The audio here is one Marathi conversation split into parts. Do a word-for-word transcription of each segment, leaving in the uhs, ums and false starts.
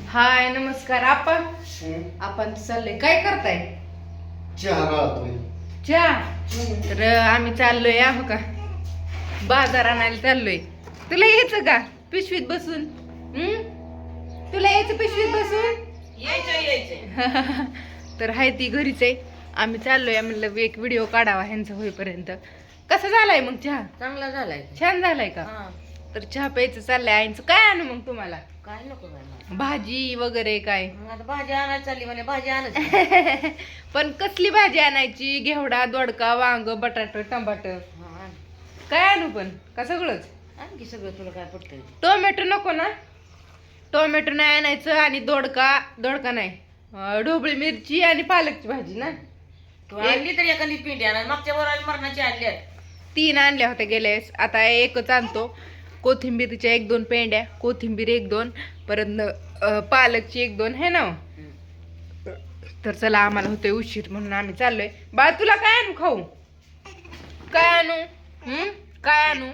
हाय नमस्कार आपण आपण चाललोय काय करताय? चहा गाळतोय. चहा. तर आम्ही चाललोय आहो का बाजार आणायला चाललोय. तुला यायचं का पिशवीत बसून? हम्म तुला यायचं पिशवीत बसून? यायचं यायचं तर हाय ती घरीच आहे. आम्ही चाललोय म्हणलं एक व्हिडिओ काढावा ह्यांचा होईपर्यंत. कसा झालाय मग चहा? चांगला झालाय. छान झालाय का? हा तर चहा प्यायचं चाललंय. आईचं काय आणू मग तुम्हाला? काय नको बाई मला. भाजी वगैरे काय? मग आता भाजी आणायला चालली म्हणे भाजी आणायची. पण कसली भाजी आणायची? घेवडा, दोडका, वांग, बटाट, टमाट हा, आण. काय आणू पण का सगळंच? आणखी सगळं तुला काय पडतंय? टोमॅटो नको ना? टोमॅटो नाही आणायचं आणि दोडका दोडका नाही अं, ढोबळी मिरची आणि पालकची भाजी ना. तू आणली तरी एखादी पिंडी आणा. मागच्या वर मरणाची आणली तीन आणल्या होत्या गेल्या वेळेस. आता एकच आणतो. कोथिंबीरच्या एक दोन पेंड्या, कोथिंबीर एक दोन, परत अं, पालकची एक दोन है ना. तर चला आम्हाला होतोय उशीर म्हणून आम्ही चाललोय. बाळ तुला काय आणू खाऊ? काय आणू? हम्म काय आणू?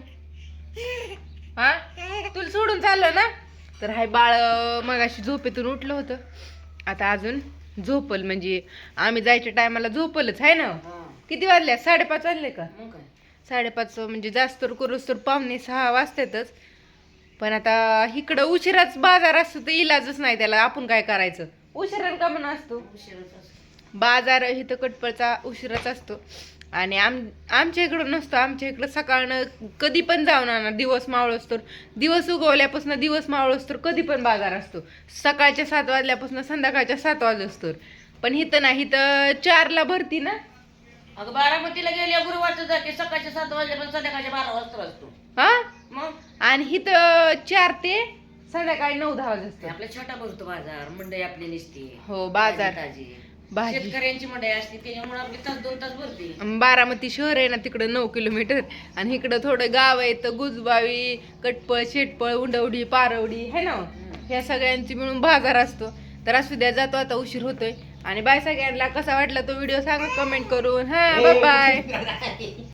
हा तुला सोडून चाललं ना. तर हाय बाळ मगाशी झोपेतून उठलं होतं. आता अजून झोपल म्हणजे आम्ही जायच्या टायमाला झोपलच आहे ना. किती वाजल्या? साडेपाच वाजले का? मग काय साडेपाच म्हणजे जास्त तर करूच तर पावणे सहा वाजतातच. पण आता इकडं उशिराच बाजार असतो तर इलाजच नाही त्याला. आपण काय करायचं? उशिरा का म्हणून असतो उशीरच असतो. बाजार इथं कटपळचा उशिराच असतो. आणि आम आमच्या इकडं नसतो. आमच्या इकडं सकाळनं कधी पण जाऊन आणा. दिवस मावळस तर दिवस उगवल्यापासून दिवस मावळस तर कधी पण बाजार असतो. सकाळच्या सात वाजल्यापासून संध्याकाळच्या सात वाजस तर. पण इथं नाही, इथं चारला भरती ना. अगं बारामतीला गेल्या गुरुवारचं जाते सकाळच्या सात वाजल्यापासून संध्याकाळच्या बारा वाजता असतो. हा मग आणि इथं चार ते संध्याकाळी नऊ दहा वाजता असतो. आपल्या छोटा भरतो बाजार. मंडई आपली निसते. हो बाजार ताजी भाजी. शेतकऱ्यांची मंडई असते त्याच्यामुळे आपली तास दोन तास भरते. बारामती शहर आहे ना तिकडं नऊ किलोमीटर आणि इकडं थोडं गाव आहे तर गुजबावी, कटपळ, शेटपळ, उंडवडी, पारवडी है ना. ह्या सगळ्यांची मिळून बाजार असतो. तर असू द्या, जातो आता उशीर होतोय. आणि बाय सगळ्यांना. कसा वाटला तो व्हिडिओ सांगा कमेंट करून. हा बाय बाय.